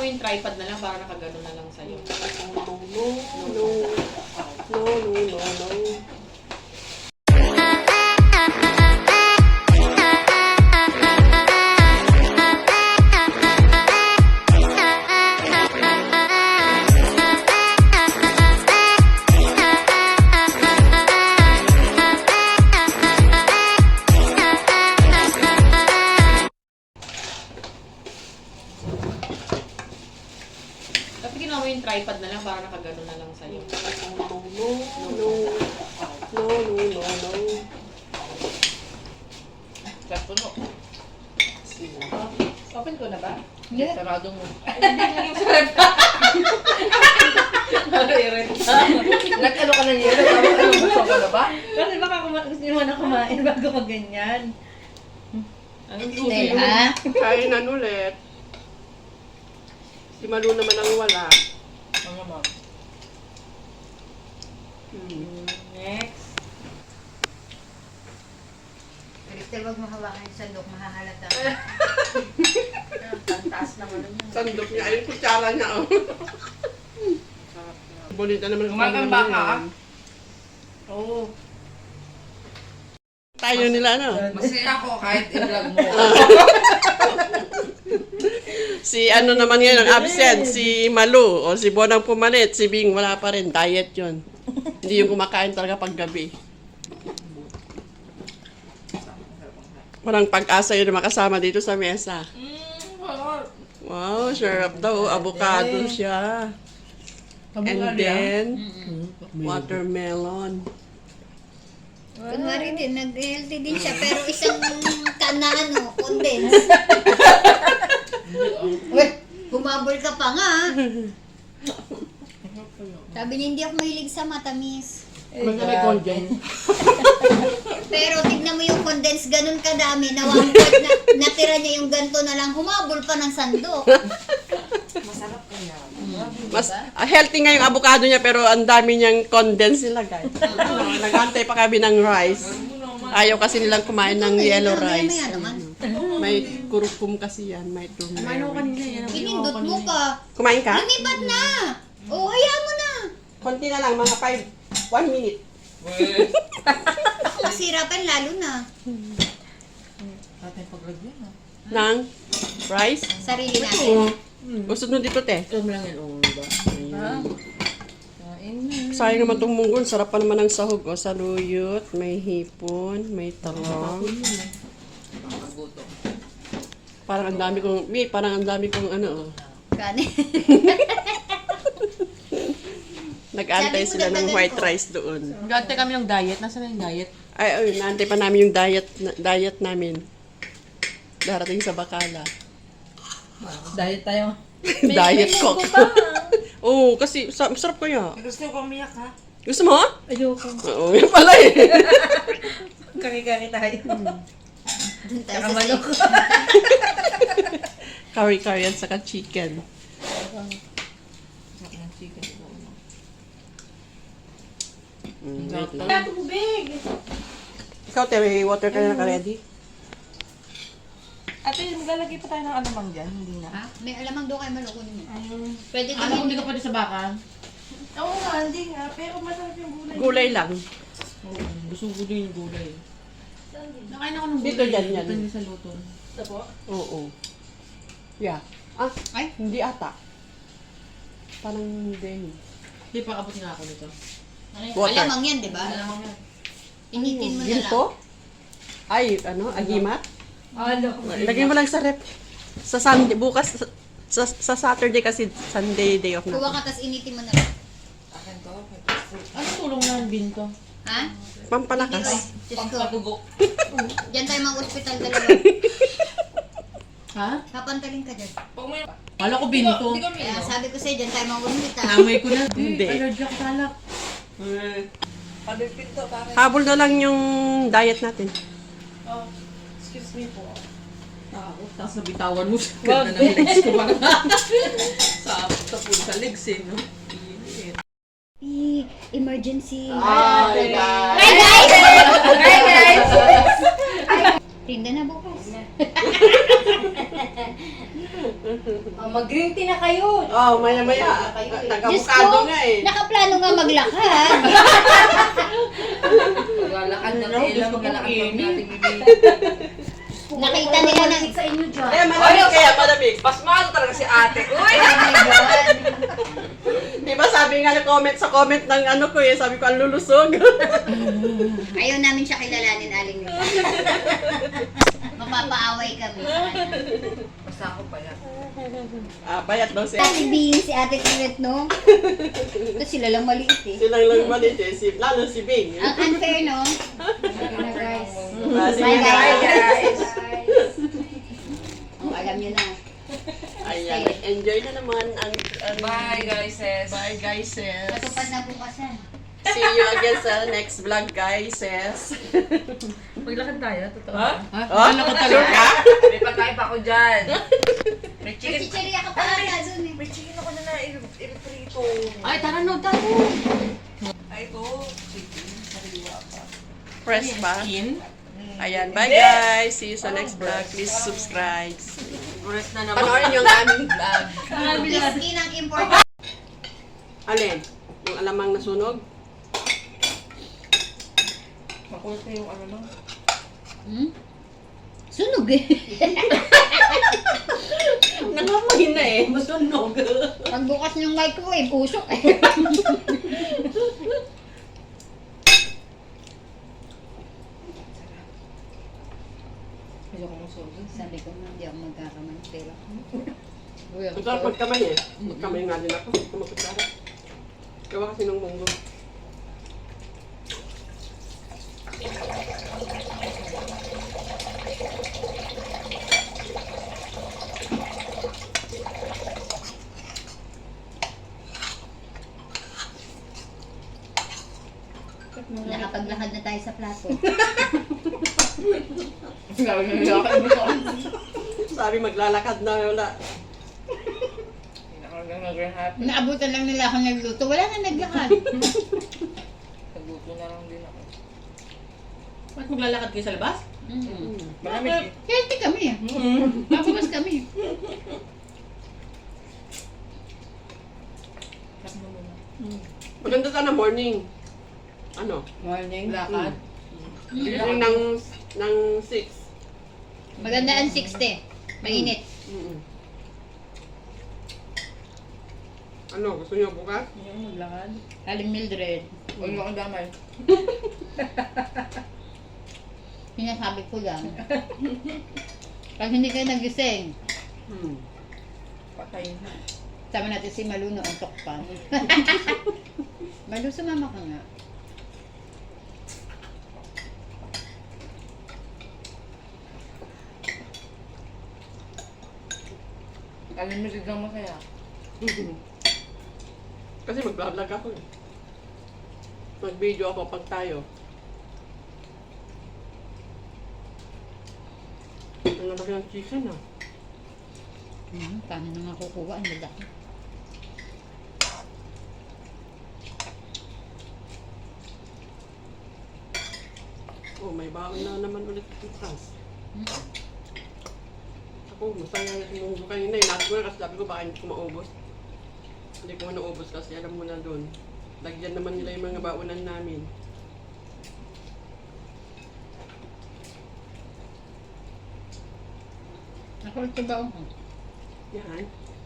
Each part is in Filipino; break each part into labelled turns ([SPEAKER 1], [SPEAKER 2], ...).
[SPEAKER 1] mo yung tripod na lang para nakagano na lang sa'yo.
[SPEAKER 2] No.
[SPEAKER 1] Dapat ginawa mo yung tripod na lang para nakagano na lang sa'yo.
[SPEAKER 2] No.
[SPEAKER 1] Sarap puno. Open ko na ba?
[SPEAKER 3] Hindi.
[SPEAKER 1] Sarado mo. Nag-ano ka na niya? Gusto ka na ba?
[SPEAKER 3] Kasi baka gusto nyo na kumain bago mag-ganyan.
[SPEAKER 1] Anong
[SPEAKER 3] Dahil ha?
[SPEAKER 2] Kainan ulit. Si Malu naman ang wala.
[SPEAKER 1] Mga ma'am.
[SPEAKER 3] Next. Crystal, wag mo hawakan yung sandok, mahahalata. Pantaas naman yun.
[SPEAKER 2] Sandok niya, ayun kutsara niya. Oh. Bonita naman ang
[SPEAKER 1] Kumain ka ka?
[SPEAKER 3] Oo.
[SPEAKER 2] Tayo nila, ano?
[SPEAKER 1] Masaya ako kahit i-vlog mo.
[SPEAKER 2] Si ano naman yan ang absent, si Malu o si Bonang pumalit, si Bing wala pa rin, diet yun. Hindi yung kumakain talaga paggabi. Walang pag-asa yun na makasama dito sa mesa. Wow, sarap daw. Avocado siya. And then, watermelon.
[SPEAKER 4] Kunwari din, nag-healthy din siya, pero isang kanano, condense. Uy, humabol ka pa nga. Sabi niya, hindi ako mahilig sa matamis. Pero tignan mo yung condense, ganun kadami, na one fourth na, natira niya yung ganto na lang, humabol pa ng sandok.
[SPEAKER 2] Mas healthy nga yung avocado niya pero ang dami niyang condense nilagay. Nag-antay pa kami ng rice. Ayaw kasi nilang kumain ng yellow rice.
[SPEAKER 4] Maya naman.
[SPEAKER 2] May kurukum kasi yan, may turmeric.
[SPEAKER 4] Pinindot mo pa.
[SPEAKER 2] Kumain ka?
[SPEAKER 4] Lumipat na. O, hayaan mo na.
[SPEAKER 2] Konti na lang, mga 1 minute.
[SPEAKER 4] Masirapan lalo na.
[SPEAKER 2] Ng rice?
[SPEAKER 4] Sarili natin.
[SPEAKER 2] Gusto nyo dito, te?
[SPEAKER 1] Ito lang yan, oo ba?
[SPEAKER 2] Sayang naman itong munggon. Sarap pa naman ng sahog. O, saluyot, may hipon, may talong. Parang ang dami kong, ano, oh.
[SPEAKER 4] Kanin.
[SPEAKER 2] Nag-antay
[SPEAKER 4] Sabi mo,
[SPEAKER 2] sila ng
[SPEAKER 4] dagdagan
[SPEAKER 2] white
[SPEAKER 4] ko.
[SPEAKER 2] rice doon.
[SPEAKER 1] Gante kami ng diet. Nasaan na yung diet?
[SPEAKER 2] Ay, naantay pa namin yung diet namin. Darating sa Bacala.
[SPEAKER 3] Diet tayo.
[SPEAKER 2] Diet coke. Oo, kasi sarap ko yan.
[SPEAKER 1] Gusto ko umiyak ha?
[SPEAKER 2] Gusto mo?
[SPEAKER 3] Ayoko.
[SPEAKER 2] Oo, yun pala eh.
[SPEAKER 3] Kari-kari tayo.
[SPEAKER 4] Dun tayo
[SPEAKER 3] Saka
[SPEAKER 4] sa
[SPEAKER 3] manok.
[SPEAKER 2] Curry at saka chicken. Wait lang.
[SPEAKER 3] Tubig!
[SPEAKER 2] Ikaw, te, may water ka na naka-ready?
[SPEAKER 1] Ate, maglalagay pa tayo ng alamang dyan. Hindi na.
[SPEAKER 4] Ha? May alamang doon kayo malukunin mo.
[SPEAKER 1] Ayun.
[SPEAKER 4] Pwede
[SPEAKER 1] Alam ko
[SPEAKER 4] din.
[SPEAKER 1] hindi ka pwede sa baka.
[SPEAKER 3] Oo nga, hindi nga. Pero masarap yung gulay.
[SPEAKER 2] Gulay lang.
[SPEAKER 1] Oo, gusto ko din yung gulay. Nakain ako ng gulay.
[SPEAKER 2] Dito, dyan, yan.
[SPEAKER 1] Dito din sa luto.
[SPEAKER 3] Ito po.
[SPEAKER 2] Oo. Yeah. Ah,
[SPEAKER 4] Ay,
[SPEAKER 2] hindi ata. Parang hindi.
[SPEAKER 1] Hindi pa abot nga ako nito.
[SPEAKER 2] Water.
[SPEAKER 4] alamang yan, di ba?
[SPEAKER 1] Alamang yan.
[SPEAKER 4] Initin mo na lang.
[SPEAKER 2] Ginto? Ay, ano? Agimat?
[SPEAKER 3] Ano?
[SPEAKER 2] Lagay mo lang sa rep. Sa Sunday, bukas, sa Saturday kasi Sunday day off
[SPEAKER 4] Kuha
[SPEAKER 2] na.
[SPEAKER 4] ka, tas initin mo na lang.
[SPEAKER 1] Akin to. Ano tulong na yung binto?
[SPEAKER 4] Ha?
[SPEAKER 2] Pampalakas.
[SPEAKER 4] Diyos ko.
[SPEAKER 1] Pagpatugo.
[SPEAKER 4] Diyan tayo mga ospital dalawa.
[SPEAKER 1] Ha?
[SPEAKER 4] Papantalin ka dyan.
[SPEAKER 1] Kala ko binto.
[SPEAKER 4] Kaya sabi ko sa'yo, dyan tayo mga ospital.
[SPEAKER 1] Amoy ko na.
[SPEAKER 2] Hindi.
[SPEAKER 1] Allergy ako sa alak.
[SPEAKER 2] Habol na lang yung diet natin.
[SPEAKER 3] Excuse me po.
[SPEAKER 1] Tapos nabitawan mo siya. Ganda ng legs ko pa. Tapos sa legs eh, no?
[SPEAKER 4] Emergency.
[SPEAKER 2] Hi, guys!
[SPEAKER 4] Hi guys!
[SPEAKER 3] Hi guys!
[SPEAKER 4] Tinda na bukas.
[SPEAKER 3] Mag-green tea na kayo.
[SPEAKER 2] Oh, maya-maya.
[SPEAKER 4] Diyos
[SPEAKER 2] Nag-avocado
[SPEAKER 4] ko,
[SPEAKER 2] nga eh.
[SPEAKER 4] nakaplano nga maglakad.
[SPEAKER 1] Maglalakad na Ella, maglalakad kami natin bibig.
[SPEAKER 4] Nakita nila na...
[SPEAKER 3] sa inyo dyan.
[SPEAKER 2] Eh, malamig kaya, malamig.
[SPEAKER 1] Mas maano talaga si ate. Uy!
[SPEAKER 4] Oh my God.
[SPEAKER 2] Di ba sabi nga na comment sa comment ng ano ko eh, sabi ko ang lulusog.
[SPEAKER 4] Ayaw namin siya kilalanin, Aling Lula. Mapapaaway kami sa kanya.
[SPEAKER 1] Basta ako pala.
[SPEAKER 2] Payat daw siya.
[SPEAKER 4] Ate Bing, si Ate Kiret, no? Ito sila lang maliit eh.
[SPEAKER 2] Silang lang malit eh, lalo si Bing.
[SPEAKER 4] Ang unfair, no?
[SPEAKER 3] Ayun na guys.
[SPEAKER 2] Sige
[SPEAKER 4] Bye,
[SPEAKER 2] na.
[SPEAKER 4] guys. Oh, alam nyo na.
[SPEAKER 2] Ayan, enjoy na naman ang
[SPEAKER 1] Bye guys, sis.
[SPEAKER 2] Bye guys, sis.
[SPEAKER 4] Matupad na bukasan.
[SPEAKER 2] See you again sa next vlog guys, sis.
[SPEAKER 1] Maglakad tayo, totoo. Ha?
[SPEAKER 2] Oh, sure ka?
[SPEAKER 1] May pagkain pa ako dyan. May
[SPEAKER 4] May
[SPEAKER 1] chicken.
[SPEAKER 4] chicheria ka pa ata dun eh.
[SPEAKER 1] May chicken ako na i-prito.
[SPEAKER 3] Ay, tara no, tara.
[SPEAKER 1] Ay, ito. Chicken. Sariwa pa.
[SPEAKER 2] Fresh ba?
[SPEAKER 1] Chicken.
[SPEAKER 2] Ayan, bye guys. See you sa next vlog. Please subscribe.
[SPEAKER 1] Oras na naman.
[SPEAKER 2] Panoorin yung aming vlog.
[SPEAKER 4] Whiskey ng important.
[SPEAKER 2] Alin? Yung alamang nasunog?
[SPEAKER 1] Makulit na yung ano lang.
[SPEAKER 4] Sunog eh.
[SPEAKER 2] Nangamoy na eh. Masunog.
[SPEAKER 4] Pagbukas ng microwave, usok eh.
[SPEAKER 1] Ayoko mong soda.
[SPEAKER 4] Sabi ko na, hindi ako magkakamantela.
[SPEAKER 2] Ito ang pagkamay eh. Pagkamay nga din ako. Kumakutsara. Gawa kasi ng munggo.
[SPEAKER 4] Nakapaglakad na tayo sa plato.
[SPEAKER 2] Sabi maglalakad na wala.
[SPEAKER 4] Naabutan lang nila ako nagluto. Wala na naglakad.
[SPEAKER 1] Nagluto na lang din ako.
[SPEAKER 3] Ba't maglalakad kayo sa labas?
[SPEAKER 1] Malamig eh.
[SPEAKER 4] Healthy kami eh. Mabukas kami.
[SPEAKER 2] Maganda sana morning. Ano?
[SPEAKER 3] Morning. Lakad.
[SPEAKER 2] Morning ng 6.
[SPEAKER 4] Maganda ang 60. Mainit.
[SPEAKER 2] Ano? Gusto niyo bukas?
[SPEAKER 3] Yung maglakad.
[SPEAKER 4] Aling Mildred.
[SPEAKER 1] Huwag mo akong damay.
[SPEAKER 4] Sinasabi ko lang. Pag hindi kayo nagising,
[SPEAKER 1] Patay na.
[SPEAKER 4] sama natin si Malu na untok pa. Malu, sumama ka nga.
[SPEAKER 1] Unlimited lang masaya.
[SPEAKER 2] Kasi mag-vlog ako eh. Mag-video ako pag tayo. Ang laki ng chicken ah.
[SPEAKER 4] Paano na nga kukuha? Ang lalaki.
[SPEAKER 2] Oh, may baon na naman ulit yung France. Ako, masaya yung munggo kanina. Inaas ko na kasi sabi ko baka hindi ko maubos. Hindi ko naubos kasi alam mo na doon. Lagyan naman nila yung mga baonan namin.
[SPEAKER 4] Ako ito ba ako?
[SPEAKER 2] Yan.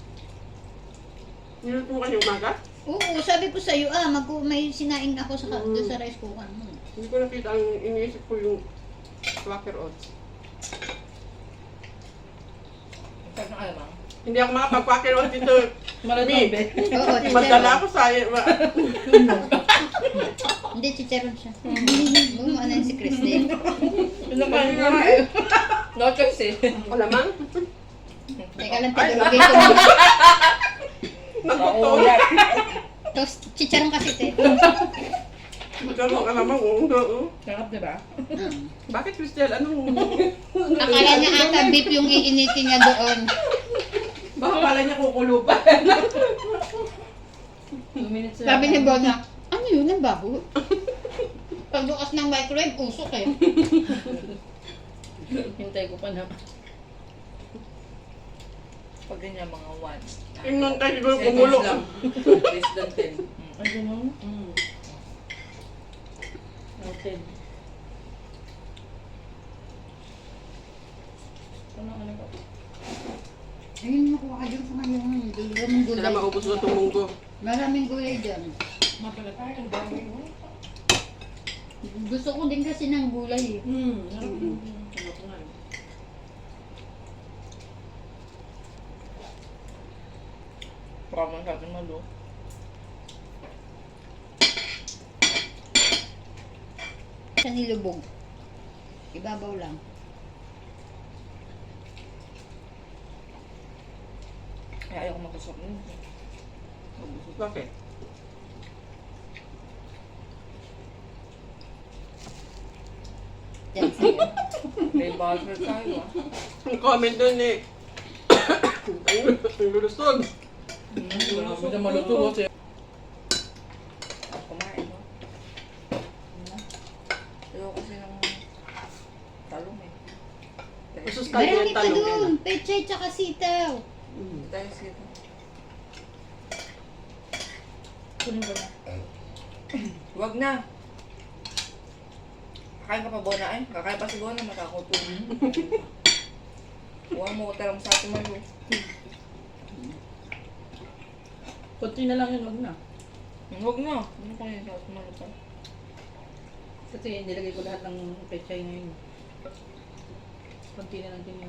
[SPEAKER 2] Niluto mo kanyang umaga?
[SPEAKER 4] Oo, sabi ko sa'yo may sinaing ako sa, doon sa rice cooker mo.
[SPEAKER 2] Hindi ko nakita ang iniisip ko yung Quaker Oats.
[SPEAKER 1] Sarap ng alamang.
[SPEAKER 2] Hindi ako makapag-Quaker Oats dito.
[SPEAKER 3] Malatobe.
[SPEAKER 4] Oo,
[SPEAKER 2] Madala ako sa...
[SPEAKER 4] Hindi, chicharon siya. Ano yun si Christine?
[SPEAKER 1] Pinakain nga eh. No choice eh.
[SPEAKER 2] Wala man.
[SPEAKER 4] Teka lang, tinulogay ko muna.
[SPEAKER 2] Nagtotoo.
[SPEAKER 4] Tapos, chicharon kasi, te.
[SPEAKER 2] Magkano ka naman, oo.
[SPEAKER 1] Sarap diba?
[SPEAKER 2] Bakit, Cristel? Anong...
[SPEAKER 4] Akala niya ata beef yung iinitin niya doon.
[SPEAKER 2] Baka pala niya kukulo pa.
[SPEAKER 3] 2 minutes
[SPEAKER 4] Sabi ni Bona, ano yun, ang baho? Pagbukas ng microwave, usok eh.
[SPEAKER 3] Hintay ko pa na.
[SPEAKER 1] Pag ganyan, mga 1.
[SPEAKER 2] Yung nun tayo siguro kumulo.
[SPEAKER 1] lang. Less than 10.
[SPEAKER 5] Ay, ganun?
[SPEAKER 1] Mm.
[SPEAKER 5] Noted. Ano ba?
[SPEAKER 3] Ayun, nakuha ka dyan sa ngayon. Maraming
[SPEAKER 2] Sila
[SPEAKER 3] gulay.
[SPEAKER 2] maubos na itong munggo.
[SPEAKER 3] Maraming gulay dyan.
[SPEAKER 5] Mapalatay, ang dami mo.
[SPEAKER 3] Gusto ko din kasi ng gulay eh.
[SPEAKER 1] Parang sa atin malo.
[SPEAKER 3] Sa nilubog. Ibabaw lang.
[SPEAKER 1] Kaya ayaw ko magkasok nun.
[SPEAKER 2] Bakit?
[SPEAKER 3] Yan sa'yo.
[SPEAKER 1] May buzzer tayo ah.
[SPEAKER 2] Ang comment dun eh. Ang lulusog.
[SPEAKER 1] Wala ko na maluto kasi. Kumain ba? Ayaw kasi ng talong eh.
[SPEAKER 2] Usus tayo
[SPEAKER 3] Marami
[SPEAKER 2] yung
[SPEAKER 3] pa
[SPEAKER 2] talong
[SPEAKER 3] dun.
[SPEAKER 2] yan.
[SPEAKER 3] Pechay tsaka sitaw.
[SPEAKER 1] Hindi tayo sila.
[SPEAKER 5] Kunin ko na.
[SPEAKER 1] Huwag na. Kakain ka pa Bona eh. Kakain pa si Bona, makakuto. Huwag mo ko talang sa ating malo.
[SPEAKER 5] Kunti na lang yun, wag na.
[SPEAKER 1] Huwag na. Ano ko yun sa ating malo pa?
[SPEAKER 5] Kasi nilagay ko lahat ng pechay ngayon. Kunti na lang din yun.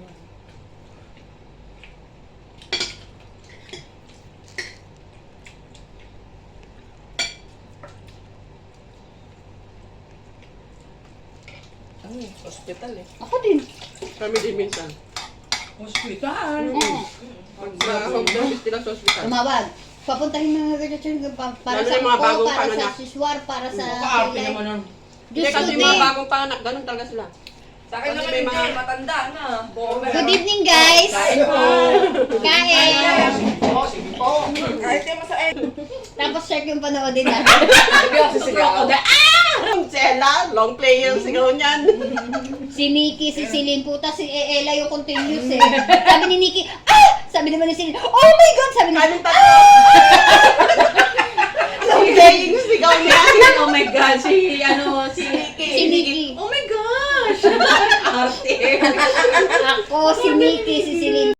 [SPEAKER 1] Ano eh, hospital eh.
[SPEAKER 3] Ako din.
[SPEAKER 2] Kami din minsan.
[SPEAKER 1] Hospital?
[SPEAKER 2] Pag sa home service nila sa hospital.
[SPEAKER 3] Tumawag. Papuntahin mo mga ganyan para
[SPEAKER 2] Lalo
[SPEAKER 3] sa
[SPEAKER 2] yung mga
[SPEAKER 3] uko,
[SPEAKER 2] bagong
[SPEAKER 3] para sa
[SPEAKER 2] panganak.
[SPEAKER 3] siswar, para sa
[SPEAKER 1] Kaarte
[SPEAKER 3] kilay.
[SPEAKER 1] naman nun.
[SPEAKER 2] Hindi
[SPEAKER 3] Diyos ko
[SPEAKER 2] kasi yung mga
[SPEAKER 3] din.
[SPEAKER 2] bagong panganak, ganun talaga sila.
[SPEAKER 1] Sa akin
[SPEAKER 2] Kasi
[SPEAKER 1] naman
[SPEAKER 2] may
[SPEAKER 1] hindi,
[SPEAKER 2] mga-
[SPEAKER 1] matanda na.
[SPEAKER 3] Good evening guys. Kain.
[SPEAKER 1] Kahit kayo masain.
[SPEAKER 3] Tapos check yung panoodin natin.
[SPEAKER 1] Sabi ako sa sigaw.
[SPEAKER 2] Ang Sela, long play yung sigaw niyan.
[SPEAKER 3] Si Nikki, si Celine, puta si Ella yung continuous eh. Sabi ni Nikki, ah! Sabi naman ni Celine, oh my God! Sabi ni
[SPEAKER 2] Kaming tatlo. Long play yung sigaw niya.
[SPEAKER 5] Oh my God, si
[SPEAKER 3] si Nikki.
[SPEAKER 5] Oh my gosh! Arte!
[SPEAKER 3] Ako, si Nikki, si Celine.